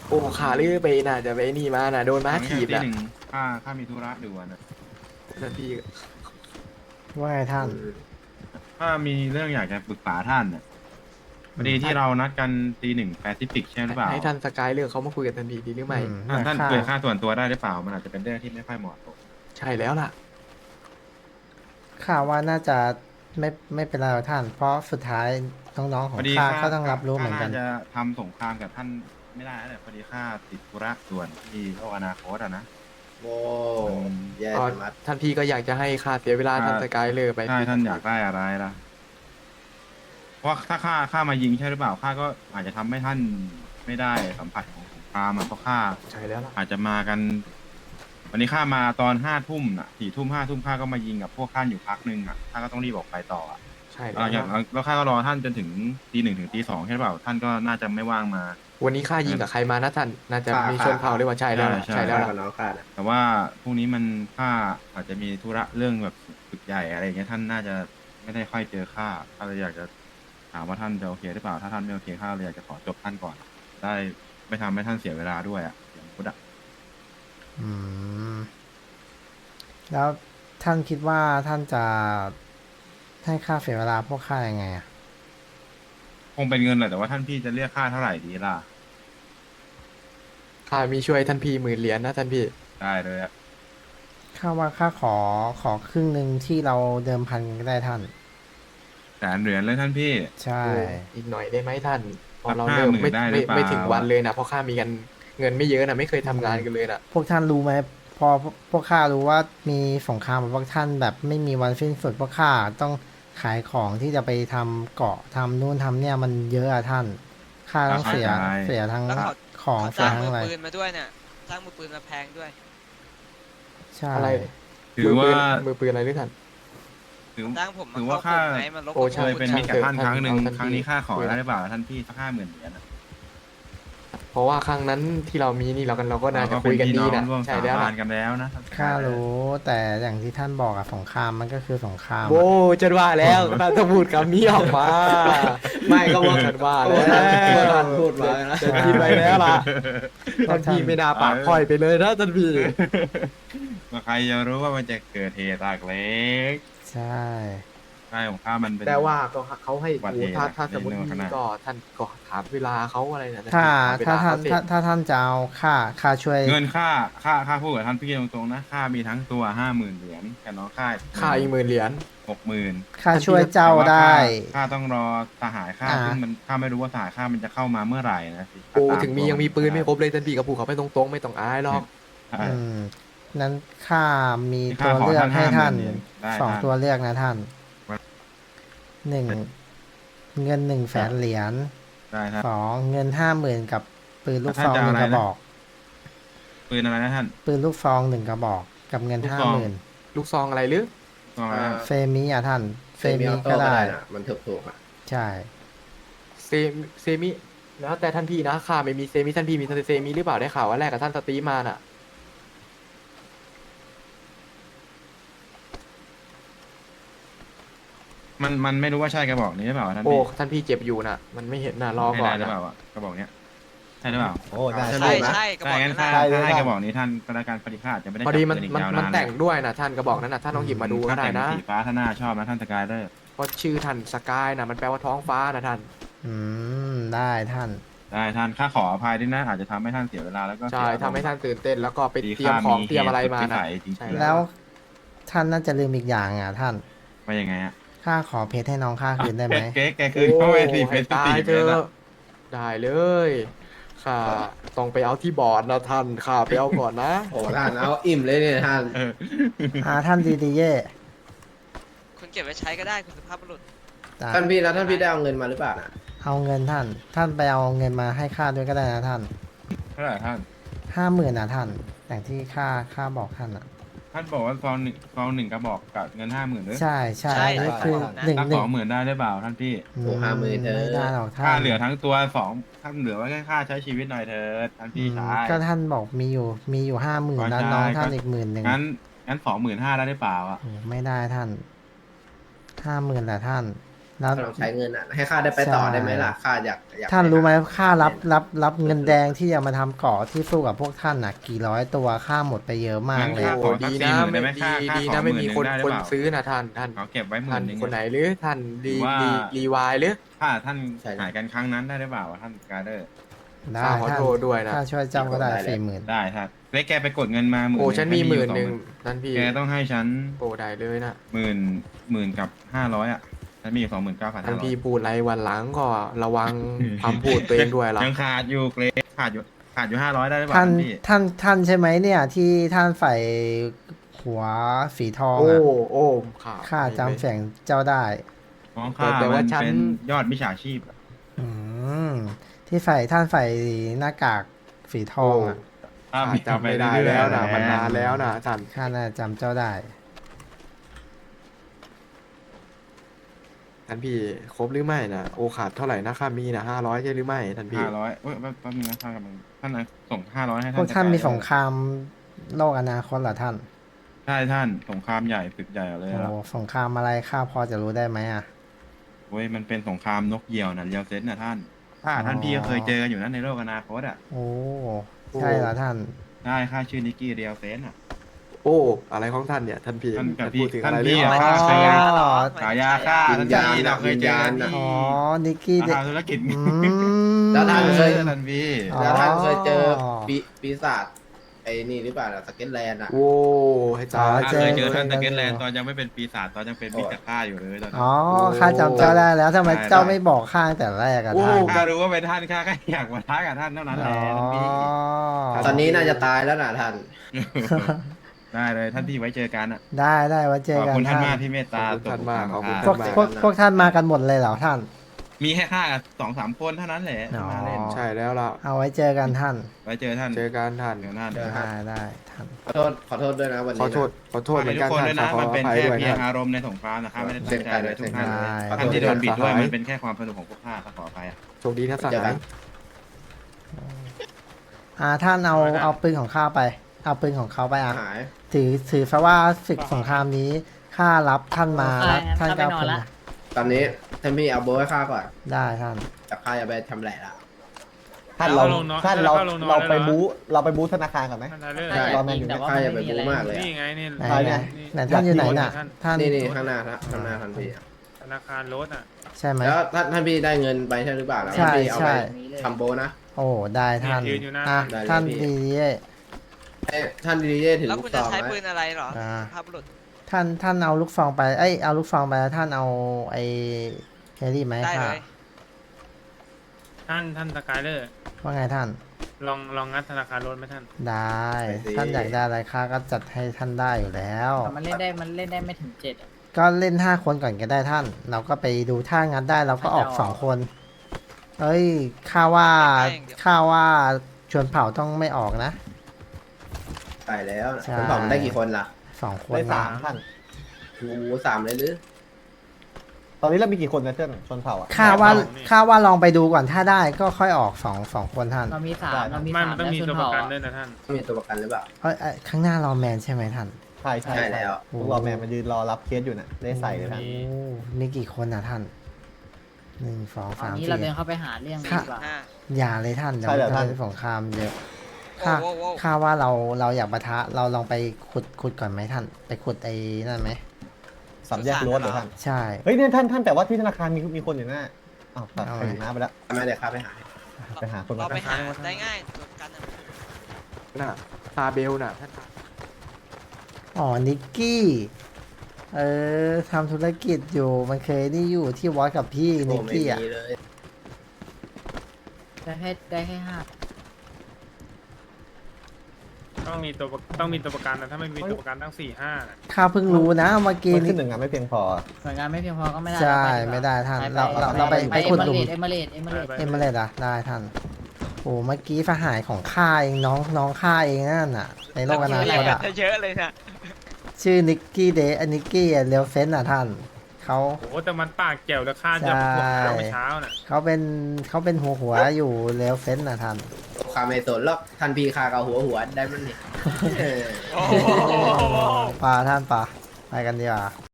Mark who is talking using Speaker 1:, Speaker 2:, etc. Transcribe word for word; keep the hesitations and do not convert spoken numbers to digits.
Speaker 1: โอ้ขาลือไปน่ะจะไปนี่มาน่ะโดนม้า
Speaker 2: ไม่ใช่
Speaker 1: ถีบน่ะ
Speaker 2: ตีหนึ่งข้าข้ามีธุระด่วนอะ
Speaker 1: ทันที
Speaker 3: ว่าไงท่าน
Speaker 1: เออ
Speaker 2: ข้ามีเรื่องอยากจะปรึกษาท่านน่ะพอดีที่เรานัดกันตีหนึ่งแปซิฟิกใช่หรือเปล่า
Speaker 1: ให้ท่านสกายเลือกเขามาคุยกันทันทีดีหรือไม่
Speaker 3: อืม
Speaker 2: ท่านท่าน
Speaker 3: ค่า
Speaker 2: คุยกับข้าส่วนตัวได้หรือเปล่ามันอาจจะเป็นเรื่องที่ไม่ค่อยเหมาะสม
Speaker 1: ใช่แล้วล่ะ
Speaker 3: ข่าวว่าน่าจะไม่ไม่เป็นไรหรอกท่าน เพราะสุดท้ายน้องๆข
Speaker 2: พ
Speaker 3: อง
Speaker 2: อดี
Speaker 3: ข้า
Speaker 2: ข้า
Speaker 3: ก็ต้องรับรู้เหมือนกัน
Speaker 2: ข้าจะทำสงครามกับท่านไม่ได้แล้วแหละพอดีข้าติดธุระด่วนที่โลกอนาคตอะนะ
Speaker 4: โอ้
Speaker 2: อืม
Speaker 4: แย่
Speaker 1: ก็
Speaker 4: จังมัด
Speaker 1: ท่านพี่ก็อยากจะให้ค่าเสียเวลาท่านสกายเลือกไป
Speaker 2: ใช่ท่านอยากได้อะไรล่ะเพราะถ้าข้าข้ามายิงใช่หรือเปล่าข้าก็อาจจะทำให้ท่านไม่ได้สัมผัสของสงครามอะเพราะข้า
Speaker 1: ใช่แล้วล่ะ
Speaker 2: อาจจะมากัน วันนี้ข้ามาตอนห้าทุ่มน่ะสี่ทุ่มห้าทุ่มข้าก็มายิงกับพวกท่านอยู่พักหนึ่งอ่ะข้าก็ต้องรีบออกไปต่ออ่ะ
Speaker 1: ใช่
Speaker 2: ห
Speaker 1: แล้
Speaker 2: ลั
Speaker 1: ว
Speaker 2: งจากนั้นแล้วข้าก็รอท่านจนถึงตีหนึ่งถึงตีสองใช่หรือเปล่า ท่านก็น่าจะไม่ว่างมา
Speaker 1: วันนี้ข้ายิงกับใครมานะท่านน่าจะ
Speaker 4: ข้ามี
Speaker 1: มีชนเผ่าหรือว่าใช่แล้วล่ะ
Speaker 2: ใช่
Speaker 1: ใช่แล้ว
Speaker 4: ข้า
Speaker 1: ล่ะ
Speaker 4: กับน้องข้าน่ะ
Speaker 2: แต่ว่าพรุ่งนี้มันข้าอาจจะมีธุระเรื่องแบบฝึกใหญ่อะไรอย่างเงี้ยท่านน่าจะไม่ได้ค่อยเจอข้าข้าเลยอยากจะถามว่าท่านจะโอเคหรือเปล่า ถ้าท่านไม่โอเคข้าเลยอยากจะขอจบท่านก่อน ได้ไม่ทำให้ท่านเสียเวลาด้วยอ่ะอย่างพุทธอ่ะ
Speaker 3: อืม แล้วท่านคิดว่าท่านจะให้ค่าเสียเวลาพวกข้ายังไงอ่ะ
Speaker 2: คงเป็นเงินแหละแต่ว่าท่านพี่จะเรียกค่าเท่าไหร่ดีล่ะ
Speaker 1: ข้ามีช่วยท่านพี่หมื่นเหรียญนะท่านพี่
Speaker 2: ได้เลยอ่ะ
Speaker 3: ข้าว่าข้าขอขอครึ่งหนึ่งที่เราเดิมพันกันก็ได้ท่าน
Speaker 2: แสนเหรียญเลยท่านพี่
Speaker 3: ใช่
Speaker 1: โอ้อีกหน่อยได้ไหมท่านพอเรา
Speaker 2: สัก
Speaker 1: เริ่ม
Speaker 2: ห้าหมื่น
Speaker 1: ไม่
Speaker 2: ได้หรื
Speaker 1: ไม่
Speaker 2: อเปล่า
Speaker 1: ไม่ถึงวันเลยนะเพราะข้ามีกันเงินไม่เยอะนะไม่เคยทำงานกันเลยนะ
Speaker 3: พวกท่านรู้ไหมพอพวกข้ารู้ว่ามีสงครามกับพวกท่านแบบไม่มีวันสิ้นสุดพวกข้าต้องขายของที่จะไปทำเกาะทำนู่นทำเนี่ยมันเยอะอะท่านค่าต้องเสีย
Speaker 2: เข้าใจ
Speaker 3: เสียทั้ง
Speaker 5: แล้วเขา
Speaker 3: ของ
Speaker 5: เขา
Speaker 3: เสีย
Speaker 5: จ้าง
Speaker 3: ทั้ง
Speaker 5: มือ
Speaker 3: อะไร
Speaker 5: ปืนมาด้วยเนี่ยจ้างมือปืนมาแพงด้วย
Speaker 3: ใช่
Speaker 1: อะไร
Speaker 2: ถือว่า
Speaker 1: มือปืนอะไรหรือท่าน
Speaker 2: ถือ
Speaker 5: จ้างผมมา
Speaker 2: ถือว่า
Speaker 5: เข้า
Speaker 2: ค่า
Speaker 5: กลุ่มไหนมาลบ
Speaker 1: โอ้
Speaker 5: กับ
Speaker 1: ใช่
Speaker 2: เคยเป็นมิตรกับท่านครั้งหนึ่ง
Speaker 1: เอาท่าน
Speaker 2: ครั้งนี้ค่าขอ
Speaker 1: คุย
Speaker 2: ได้หรือเปล่าท่านพี่สักห้าหมื่นเหรียญอะ
Speaker 1: เพราะว่าครั้งนั้นที่เรามีนี่เรากันเราก็น่าจะ
Speaker 2: เรา
Speaker 1: คุยกัน
Speaker 2: เป็
Speaker 1: ดี
Speaker 2: พี่
Speaker 1: นะ
Speaker 2: องร่วม
Speaker 1: ใช่
Speaker 2: สา
Speaker 1: แล้ว
Speaker 2: บา
Speaker 1: นะ
Speaker 2: นกันแล้วนะท่าน
Speaker 3: ข้ารู้แต่อย่างที่ท่านบอกอะสงครามมันก็คือสงคราม
Speaker 1: โว้
Speaker 3: อะ
Speaker 1: จะว่าแล้วท่านต้องพูดคำนี้ออกมา
Speaker 4: ไม่ก็ว่า
Speaker 1: ฉันว่า
Speaker 4: ก็
Speaker 1: แล้
Speaker 4: ว่าว ท่านพูดมานะ
Speaker 1: จะคิดไปแล้วล่ะท่านพี่ไม่น่าปากค่อยไปเลยนะท่านพี่
Speaker 2: ว่าใครจะรู้ว่ามันจะเกิดเหตุหลักเล็ก
Speaker 3: ใช่
Speaker 2: ใช่ของข้ามันเป็น
Speaker 1: แต่ว่าก็เขาให้
Speaker 2: อุบัติ
Speaker 1: โอ้
Speaker 2: เหตุ
Speaker 1: ถ้า
Speaker 2: นะ
Speaker 1: ถ้าสมมติ
Speaker 2: ในเรื่อง
Speaker 1: มี
Speaker 2: ข้างหน้า
Speaker 1: ก็ท่านก็ถามเวลาเขาอะไรนะ
Speaker 3: ถ้า
Speaker 1: ถมเว
Speaker 3: ถ้า
Speaker 1: ล
Speaker 3: ท่าน
Speaker 1: เขสิ
Speaker 3: ถ้าถ้าท่านจะเอาค่าค่าช่วย
Speaker 2: เงินค่าค่าค่าพูดกับท่านพี่ตรงๆนะค่ามีทั้งตัวห้าหมื่นเหรียญกับน้องค่า
Speaker 1: ค่าอีกหมื่นเหรียญ
Speaker 2: หกหมื่น
Speaker 3: ค่าช่วยเจ้าได้
Speaker 2: ค่าต้องรอสหายค่า
Speaker 3: อ่า
Speaker 2: ซึ่งมันค่าไม่รู้ว่าสหายค่ามันจะเข้ามาเมื่อไหร่นะสิ
Speaker 1: โอ้
Speaker 2: ตา
Speaker 1: ถึงมี
Speaker 2: ตัว
Speaker 1: ยังมีปืนไม่ครบเลยท่านพี่กับผูกเขาไปตรงๆไม่ต้องอายหรอก
Speaker 2: ใช่
Speaker 3: อืมนั้นค่ามี
Speaker 2: ค่า
Speaker 3: ตัว
Speaker 2: ขอ
Speaker 3: เลือก
Speaker 2: ท่าน
Speaker 3: ให้ท่าน
Speaker 2: ห้าหมื่นเหรียญได้
Speaker 3: สอง
Speaker 2: ท่าน
Speaker 3: ตัวเลือกนะท่าน
Speaker 2: ไว้
Speaker 3: หนึ่งเงินหนึ่งแสนเหรียญ
Speaker 2: ได้ครับ
Speaker 3: สองเงินห้าหมื่นกับปืนลูก
Speaker 2: ท่าน
Speaker 3: ซอง
Speaker 2: จะ
Speaker 3: ห
Speaker 2: เอา
Speaker 3: นึ่ง
Speaker 2: อะไร
Speaker 3: กระ
Speaker 2: นะ
Speaker 3: บอก
Speaker 2: ปืนอะไรนะท่าน
Speaker 3: ปืนลูกซองหนึ่งกระบอก กับเงิน
Speaker 2: ลูก
Speaker 3: ห้า
Speaker 2: ซอง
Speaker 3: หมื่น
Speaker 1: ลูกซองอะไรหรือ
Speaker 2: ต้องอะไรนะ
Speaker 3: เฟมิอ่ะท่าน เฟ
Speaker 4: เฟมิ
Speaker 3: มิ
Speaker 4: ออโต้
Speaker 3: ก็
Speaker 4: ก็
Speaker 3: ได้
Speaker 4: ได้นะมันถูกถูกๆอ่ะ
Speaker 3: ใช่
Speaker 1: เซมเซมิแล้วแต่ท่านพี่นะข้าไม่มีเซมิท่านพี่มีเซมิหรือเปล่าได้ข่าวว่าแรกกับท่านสตีฟมาน่ะ
Speaker 2: มันมันไม่รู้ว่าใช่กระบอกนี้หรือเปล่าท่าน
Speaker 1: โอ้
Speaker 2: พี่
Speaker 1: ท่านพี่เจ็บอยู่น่ะ มันไม่เห็นน่ะรอ
Speaker 2: ไม่
Speaker 1: ก่อ
Speaker 2: ได้
Speaker 1: น
Speaker 2: หรือ
Speaker 1: นะ
Speaker 2: เปล่าอะกระบอกเนี้ยใช่หรือเปล่า
Speaker 4: โอ้ได้
Speaker 5: ใช่
Speaker 4: นะ
Speaker 5: ใช่กระบ
Speaker 2: ใช่
Speaker 5: อก
Speaker 2: งั้
Speaker 5: นั้น น
Speaker 2: ค่า
Speaker 5: น่ะ
Speaker 2: ถ้าให้กระบอกนี้ท่านก็แล้วกันปฏิฆาอาจจะไม่ได้
Speaker 1: พอดี
Speaker 2: จับ
Speaker 1: มัน
Speaker 2: ปือีก
Speaker 1: มัน
Speaker 2: ยาว
Speaker 1: มัน
Speaker 2: นาน
Speaker 1: แต่งด้วยนะท่านกระบอกนั้นนะท่านลองหยิบมาดูก็
Speaker 2: ถ้า
Speaker 1: ได้
Speaker 2: แต่ง
Speaker 1: นะ
Speaker 2: สีฟ้าท่านน่าชอบนะท่านสกายเลอร์
Speaker 1: เพราะชื่อท่านสกายนะมันแปลว่าท้องฟ้านะท่าน
Speaker 3: อืม ได้ท่าน
Speaker 2: ได้ท่านข้าขออภัยด้วยนะอาจจะทำให้ท่านเสียเวลาแล้วก็
Speaker 1: ใช่
Speaker 2: เสียอรมณ์
Speaker 1: ทำให้ท่านตื่นเต้นแล้วก็ไป
Speaker 2: ดี
Speaker 1: เตรียม
Speaker 2: ข้า
Speaker 1: ของ
Speaker 2: มี
Speaker 1: เตรียมอะไรมา
Speaker 2: เหตุสุด
Speaker 1: นะ
Speaker 2: วิสัยจริงๆ
Speaker 1: ใช่
Speaker 3: แล้วท่านน่าจะลืมอีกอย่างอ่ะท่าน
Speaker 2: ว่ายังไงฮะ
Speaker 3: ค่าขอเพชรให้น้องค่าคืนได้ไหม
Speaker 2: เก๊แกคืนเข้าไปสี่เฟ
Speaker 1: ให้
Speaker 2: ส
Speaker 1: ตา
Speaker 2: สี่
Speaker 1: ย
Speaker 2: เฟ
Speaker 1: เถ
Speaker 2: ส
Speaker 1: อะได้เลยข้าต้องไปเอาที่บอร์ดนะท่านข้าไปเอาก่อนนะ
Speaker 4: โอ้ท่านเอาอิ่มเลยเนี่ยท่าน
Speaker 2: เออ
Speaker 3: อ่าท่านดีดีเย่
Speaker 5: คุณเก็บไว้ใช้ก็ได้คุณสุภาพบุรุษ
Speaker 3: ได้
Speaker 4: ท่านพี่แล้วท่านพี่ได้เอาเงินมาหรือเปล่านะ
Speaker 3: เอาเงินท่าน ท่านไปเอาเงินมาให้ค่าด้วยก็ได้นะท่าน
Speaker 2: เท่าไหร่ท่าน
Speaker 3: ห้าหมื่นนะท่าน อย่างที่ค่าค่าบอกท่านอ่ะ
Speaker 2: ท่านบอกว่าซองหนึ่งซองหนึ่งกระบอกกับเงินห้าหมื่นด้วย
Speaker 3: ใช่ใช่
Speaker 5: ใช่
Speaker 3: อันนี้คือหนึ่ง
Speaker 2: สัก
Speaker 3: ห
Speaker 2: ส
Speaker 3: นึ่
Speaker 2: อง งหมื่นได้หรือเปล่าท่านพี่
Speaker 4: โอ้ห้าหมื่นเธอ
Speaker 3: ไม่ได้หรอกท่าน
Speaker 2: ค่าเหลือทั้งตัวสองท่านเหลือไว้แค่ค่าใช้ชีวิตหน่อยเถิดท่าน
Speaker 3: อื
Speaker 2: พี่
Speaker 3: ม
Speaker 2: ชาย
Speaker 3: ก็ท่านบอกมีอยู่มีอยู่ห้าหมื่น
Speaker 2: ก็
Speaker 3: แล้ว
Speaker 2: ใช่
Speaker 3: น้องท่าน
Speaker 2: ก็
Speaker 3: อีกหมื่นหนึ่ง
Speaker 2: งั้นงั้นสองหมื่นห้าได้หรือเปล่าอ่ะ
Speaker 3: โอ้ไม่ได้ท่านห้าหมื่นแหละท่านแล้ว
Speaker 4: ต้องใช้เงินอ่ะ ให้ข้าได้ไปต่อได้ไหมล่ะข้าอยากอยาก
Speaker 3: ท่านรู้ไหม
Speaker 4: ป
Speaker 3: ค่ารับรับรับเงินแดงที่จะมาทำเกาะที่สู้กับพวกท่านน่ะ กี่ร้อยตัวค่าหมดไปเยอะมาก
Speaker 2: งั้น
Speaker 3: เลย
Speaker 2: ค่า
Speaker 1: โอ้
Speaker 2: ขอสัก
Speaker 1: ดี
Speaker 2: สี่
Speaker 1: นะ
Speaker 2: หมื่นได้
Speaker 1: ไม่
Speaker 2: ไหม
Speaker 1: ดี
Speaker 2: ค่า
Speaker 1: ดี
Speaker 2: ค่า
Speaker 1: นะ
Speaker 2: ขอ
Speaker 1: ไม่
Speaker 2: หมื่
Speaker 1: มี
Speaker 2: นห
Speaker 1: คน
Speaker 2: นึ่งได้ห
Speaker 1: ค
Speaker 2: รื
Speaker 1: น
Speaker 2: อเปล่า
Speaker 1: ซื้อนะท่านท่าน
Speaker 2: ขอเก็บไว้หมื่
Speaker 1: ท่าน
Speaker 2: นหนึ่ง
Speaker 1: คนไหนหรือท่านรี
Speaker 2: หรือว่า
Speaker 1: รีรีวายหรือ
Speaker 2: ถ้าท่านหายกันครั้งนั้นได้หรือเปล่าวะท่านการเดอร์
Speaker 3: ได้
Speaker 1: ข้าขอ
Speaker 3: ท่าน
Speaker 1: โทษด้วยนะ
Speaker 3: ถ้าช่วยเจ้าก็ได้สี่หมื่น
Speaker 2: ได้ท่านแล้วแกไปกดเงินมาหมื่น
Speaker 1: โอ้ฉันมีหมื่น
Speaker 2: สอง
Speaker 1: หนึ่งท่านพี่
Speaker 2: แกต้องให้ฉัน
Speaker 1: โอ้ได้เลยนะ
Speaker 2: หมื่นหมื่นกับห้าร้อยอ่ะฉันมีอยู่สองหมื่นเก้าพัน
Speaker 1: ท่า
Speaker 2: ห้าน ร้อย
Speaker 1: พี่พูดอะไรวันหลังก็ระวังคำพูดตัวเองด้วยล่ะ
Speaker 2: ยังขาดอยู่เกรดขาดอยู่ขาดอยู่ห้าร้อยได้หรือเปล่า
Speaker 3: ท่าน
Speaker 2: ท่านพี่
Speaker 3: ท่านท่านใช่ไหมเนี่ยที่ท่านใส่หัวสีทอง
Speaker 1: โอ้
Speaker 3: อ่ะ
Speaker 1: โอ้ข่า
Speaker 3: ข้าจำเสียงเจ้าได้
Speaker 2: ของข้า
Speaker 1: แต่ว่า
Speaker 2: มัน
Speaker 1: ฉัน
Speaker 2: เป็นยอดมิจฉาชีพอะ
Speaker 3: อืมที่ใส่ท่านใส่หน้ากากสีทองอ่ะ
Speaker 2: ข้า
Speaker 1: ข้า
Speaker 2: มี
Speaker 1: จำไม่ได้
Speaker 2: เรื่อยๆ
Speaker 1: แล้วนะ
Speaker 2: ห
Speaker 1: มันนานแล้วนะท่าน
Speaker 3: ข้าน่าจำเจ้าได้
Speaker 1: ท่านพี่ครบหรือไม่นะโอขาดเท่าไหร่นะข้ามีนะห้าร้อยใช่หรือไม่ท่านพี่
Speaker 2: ห้าร้อยเอ้ยแป๊บแป๊บนึงนะท่านกำลังท่านส่งห้าร้อยให้
Speaker 3: พ
Speaker 2: ท่าน
Speaker 3: วกท่านมี
Speaker 2: จัดก
Speaker 3: สงครามโลกอนาคตเหรอท่าน
Speaker 2: ใช่ท่านสงครามใหญ่ศึกใหญ่เลย
Speaker 3: โอ้
Speaker 2: แล้ว
Speaker 3: สงครามอะไรข้าพอจะรู้ได้ไหมอ่ะ
Speaker 2: เว้ยมันเป็นสงครามนกเหยี่ยวนะเรียวเซนนะท่านถ้าท่านพี่ก็เคยเจอกันอยู่นั้นในโลกอนาคตอ่ะ
Speaker 3: โอ้ใช่เหรอท่าน
Speaker 2: ใช่ข้าชื่อนิกกี้เรียวเซนอ่ะ
Speaker 1: โอ้อะไรของท่านเนี่ยท่านพี่
Speaker 2: ท่านกับ
Speaker 1: พูดถึง
Speaker 2: ท่าน
Speaker 1: อะไร
Speaker 2: พี่
Speaker 1: เรื่อง
Speaker 2: อะ
Speaker 1: อะไร
Speaker 2: ข้าเคย
Speaker 3: อ๋อ
Speaker 2: ฉายาข้า
Speaker 4: วิ
Speaker 2: ท่าน
Speaker 4: ญญาณ
Speaker 2: พี่เรา
Speaker 4: น่ะ
Speaker 2: เคย
Speaker 4: วิญ
Speaker 2: เจอ
Speaker 4: ญา
Speaker 2: กั
Speaker 4: ณ
Speaker 2: น
Speaker 4: น่ะ
Speaker 3: อ๋
Speaker 2: ที่
Speaker 3: อนิกกี้
Speaker 2: ป
Speaker 3: เด็
Speaker 2: ระ
Speaker 3: ก
Speaker 2: ธานธุรกิจ
Speaker 3: อืม
Speaker 4: แล้วท่านเคย
Speaker 2: ท่านพี่
Speaker 3: อ๋อ
Speaker 4: แล้วท่านเคยเจอปีปีศาจไอ้นี่หรือเปล่าล่ะสเก็ตแลนด์อ่ะ
Speaker 1: โว้ให้ตา
Speaker 3: อ๋
Speaker 1: ย
Speaker 3: อ
Speaker 2: ข้า
Speaker 3: เจอ
Speaker 2: เคยเจอท่านตะเก็ตแลนด์ตอนยังไม่เป็นปีศาจตอนยังเป็นมิตรข้าอยู่เลยตอนนั้น
Speaker 3: อ๋อข้าจำเจ้าได้แล้วทำไม
Speaker 2: ใช่
Speaker 3: เจ้าไม่บอกข้าตั้งแต่แรกอะ
Speaker 1: โอ้
Speaker 3: ท่าน
Speaker 2: ข้ารู้ว่าเป็นท่านข้าก็อยากมาท้ากับท่านเท่านั้นแห
Speaker 3: อ๋
Speaker 2: ละ
Speaker 3: อ
Speaker 2: ท่านพี่
Speaker 4: ตอนนี้น่าจะตายแล้วนะท่าน
Speaker 2: ได้เลยท่านพี่ไว้เจอกันอ่ะ
Speaker 3: ได้ได้ไว้เจอ
Speaker 2: ขอบ
Speaker 3: กัน
Speaker 2: คุณท่าน
Speaker 3: ท่าน
Speaker 2: มากที่เมตตา
Speaker 1: ขอบคุณท่านมากขอบคุณ
Speaker 3: พวก
Speaker 1: ท่าน
Speaker 3: พวกพวกท่านมากันหมดเลยเหรอท่าน
Speaker 2: มีแค่ข้ากับสองสามคนเท่านั้นแหละที่มาเล่น
Speaker 3: อ๋อ
Speaker 1: ใช่แล้วล่ะ
Speaker 3: เอาไว้เจอกันท่าน
Speaker 2: ไว้เจอท่าน
Speaker 1: เจอกันท่าน
Speaker 2: เดี๋ยวท่าน
Speaker 4: เจอ
Speaker 3: ได้ได้ท่าน
Speaker 4: ขอโทษขอโทษด้วยนะวัน
Speaker 1: ขอ
Speaker 4: นี้
Speaker 1: โทษ
Speaker 4: นะ
Speaker 1: ขอโทษเหมือน
Speaker 2: ทุ
Speaker 1: กั
Speaker 2: ก
Speaker 1: น
Speaker 2: คน
Speaker 1: ท่าน
Speaker 2: ด้วยนะ
Speaker 1: ขอ
Speaker 2: มัน
Speaker 1: อ
Speaker 2: เป็น
Speaker 1: ภัย
Speaker 2: แค่
Speaker 1: ด้วย
Speaker 2: เพียง
Speaker 1: ท่าน
Speaker 2: อารมณ์ในสงครามนะครับไม่ได้ตั้งใจเลยทุกท่านเลย
Speaker 3: ได้
Speaker 2: ท่านที่โดนบิดด้วย
Speaker 1: ได้
Speaker 2: มันเป็นแค่ความสนุกของพวกข้าข้าขออภัยอะ
Speaker 1: โชคดีนะส
Speaker 4: เจอ
Speaker 1: หา
Speaker 4: กั
Speaker 1: ย
Speaker 4: น
Speaker 3: อ่าท่านเอาเอาปืนของข้าไป เอาปืนของเขาไปอ่ะ
Speaker 4: หาย
Speaker 3: ถือถือซะว่าศึกสงครามนี้ข้ารับท่านมาแล้วท่านก็เอาปืนมา
Speaker 4: ตอนนี้ท่านพี่เอาโบให้ข้าก่อน
Speaker 3: ได้ท่าน
Speaker 4: แต่ข้าจะไปทำแหละละ
Speaker 6: ท่านเรา
Speaker 7: เราลงเนอะ
Speaker 6: ท่านเรา
Speaker 7: เราลงเนอะ
Speaker 6: เราไป
Speaker 7: แล้วเหรอ
Speaker 6: บู๊เราไปบู๊ธนาคารก่อนไหม
Speaker 7: มันได้เรื่อง
Speaker 4: ใช่
Speaker 6: รอแมนอยู่
Speaker 8: แต่ว่า
Speaker 4: ข้าจะไป
Speaker 8: ไม่มี
Speaker 4: บู
Speaker 8: อะไร
Speaker 4: มากเลย
Speaker 7: นี่
Speaker 4: อะ
Speaker 7: ไงนี่
Speaker 3: ไหน
Speaker 6: ใช่
Speaker 3: ไหน
Speaker 6: เนี่ย
Speaker 3: ไหนท่านอยู่ไหนน่ะ
Speaker 7: ท่าน
Speaker 3: ท่าน
Speaker 4: นี่นี่ข้างหน้าท่านข้างหน้าท่านพี่อะ
Speaker 7: ธนาคารรถอ่ะ
Speaker 3: ใช่ไหม
Speaker 4: แล้วท่านท่านพี่ได้เงินไปใช่หรือเปล่าแล้ว
Speaker 3: ใช่
Speaker 4: ท่านพี่เอา
Speaker 3: ใช่
Speaker 4: ไปทำโบนะ
Speaker 3: โอ้ได้ท่าน
Speaker 7: ยืนอยู่หน้า
Speaker 3: อ่ะ
Speaker 4: ได้เลย
Speaker 3: ท่าน
Speaker 4: พี่
Speaker 3: ดีเย่
Speaker 4: ให้ท่านดีเจถือ
Speaker 5: แล้ว
Speaker 4: ลู
Speaker 5: คุ
Speaker 4: ก
Speaker 5: ณ
Speaker 4: ซ
Speaker 5: จะ
Speaker 4: อง
Speaker 5: ใช้
Speaker 4: ไว้
Speaker 5: ปืนอะไรเหรอ
Speaker 3: อ่า
Speaker 5: ภาพบุรุษ
Speaker 3: ท่านท่านเอาลูกฟองไปเอ้ยเอาลูกฟองไปแล้วท่านเอาไอ้แฮร์รี่ไหม
Speaker 5: ได้
Speaker 3: ค่ะ
Speaker 5: เลย
Speaker 7: ท่านท่านสกายเลอร์
Speaker 3: ว่าไงท่าน
Speaker 7: ลองลองงัดธนาคารรถไหมท่าน
Speaker 3: ได้
Speaker 4: ไปสิ
Speaker 3: ท่านอยากได้อะไรข้าก็จัดให้ท่านได้อยู่แล้ว
Speaker 8: แต่มันเล่นได้มันเล่นได้ไม่ถึงเจ็ดอะ
Speaker 3: ก็เล่นห้าคนก่อนก็ได้ท่าน เราก็ไปดูท่างัดได้เราก็ออก
Speaker 8: ไม่เอา
Speaker 3: สองคน เอ้ยข้าว่า
Speaker 5: ไม่อย่างเดียว
Speaker 3: ข้าว่าชวนเผ่าต้องไม่ออกนะ
Speaker 4: ตายแล้ว
Speaker 3: ใช่
Speaker 4: คุณบอกมันได้กี่คนล่ะ
Speaker 3: สองคน
Speaker 6: ได้สาม
Speaker 3: นะ
Speaker 6: ท่าน
Speaker 4: โอ้โหสามเลยหรือ
Speaker 6: ตอนนี้เรามีกี่คนนะเพื่อนชนเผ่าอ่ะ
Speaker 3: ข้าว่า
Speaker 7: สองนี่
Speaker 3: ข้าว่าลองไปดูก่อนถ้าได้ก็ค่อยออกสองสองคนท่าน
Speaker 8: เรามีสาม
Speaker 6: ได้
Speaker 8: เรามี
Speaker 7: ไม่
Speaker 8: สาม
Speaker 7: มันต้องมี
Speaker 8: แล้ว
Speaker 7: ตัวประกัน
Speaker 8: ชน
Speaker 7: ด้
Speaker 8: เผ่า
Speaker 7: วยนะท่าน
Speaker 4: มีตัวประกันหรือเปล่า
Speaker 3: เอ้ยเอ้ยข้างหน้ารอแมนใช่ไหมท่าน
Speaker 6: ใช่ใช่
Speaker 4: ใช่แล้ว
Speaker 6: พวกเราแมนมายืนรอรับเคสอยู่น่ะได้ใส่เลยท่าน
Speaker 3: โอ้มีกี่คนนะท่านหนึ่งสอง
Speaker 8: ตอ
Speaker 3: สาน ม
Speaker 8: นี้
Speaker 3: สี่
Speaker 8: เราเดินเข้าไปหาเรื่องดีกว่า
Speaker 5: ห้า
Speaker 3: อย่าเลยท่านเดี๋ยว
Speaker 6: ใช่เหรอ
Speaker 3: มันจะ
Speaker 6: ท่าน
Speaker 3: เป็นสงครามเยอะ
Speaker 5: โว้
Speaker 3: ข้า
Speaker 5: โว้โว้
Speaker 3: ข้าว่าเราเราอยากปะทะเราลองไปขุดขุดก่อนไหมท่าน ไปขุดไอ้นั่นไหม
Speaker 6: สามแยกรถเหรอท่าน
Speaker 3: ใช่
Speaker 6: เฮ้ยเนี่ยท่านท่านแต่ว่าที่ธนาคารมีมีคนอยู่นะอ้าวตัด
Speaker 3: เอา
Speaker 6: ไป
Speaker 3: ไว้
Speaker 6: ถึงน้าไปแล้ว
Speaker 4: ทำไมเดี๋ยวข้าไปหา
Speaker 6: ไปหาคนมา
Speaker 5: เราไปหาได้ง่ายตัวประกันอะ
Speaker 1: น่ะซาเบลน่ะท่าน
Speaker 3: อ๋อนิกกี้เออทำธุรกิจอยู่มันเคยนี่อยู่ที่วอดกับพี่
Speaker 4: โอ้
Speaker 3: นิก
Speaker 4: ไม่
Speaker 3: กี้อ่ะ
Speaker 4: มีเลย
Speaker 8: ได้แค่ได้แค่ห้า
Speaker 7: ต้องมีตัวประต้องมีตัวประกันนะถ้าไม่มีตัวประกันตั้งสี่ห้าน่ะ
Speaker 3: ข้าเพิ่งรู้นะเมื่อกี้
Speaker 6: มัน
Speaker 3: นี้
Speaker 6: ขึ้นหนึ่งงานไม่เพียงพอ
Speaker 8: หน่วยงานไม่เพียงพอก็ไม่ได้
Speaker 3: ใช่
Speaker 8: เราปกว่
Speaker 3: ไม่ได้ท่าน
Speaker 8: ป
Speaker 3: เราเราเราไป
Speaker 8: ไป
Speaker 3: ไปขุดหลุม
Speaker 8: เอเมเรตเอเมเรต
Speaker 3: เอ็มเลดอ่ะได้ท่านโอ้เมื่อกี้สหายของข้าเองน้องน้องข้าเองนั่นน่ะ ในโลกอนาคตอ่ะ
Speaker 5: เยอะเลยนะ
Speaker 3: ชื่อนิกกี้เดย์นิกกี้เรลเซนอ่ะท่านเขา
Speaker 7: โอ้โหแต่มันปากแจ๋วแล้วคาดจะ
Speaker 3: ใช่
Speaker 7: พวกเราเมื่อเช้าน่ะ
Speaker 3: เขาเป็นเขาเป็นหัวหัวอยู่เรลเซนอ่ะท่าน
Speaker 4: ข้าไม่สนหรอกท่านพี่ข้ากับหัวหัวได้มันนี่เออ
Speaker 5: โอ้โห
Speaker 3: ปลาท่านปลาไปกันดีกว่า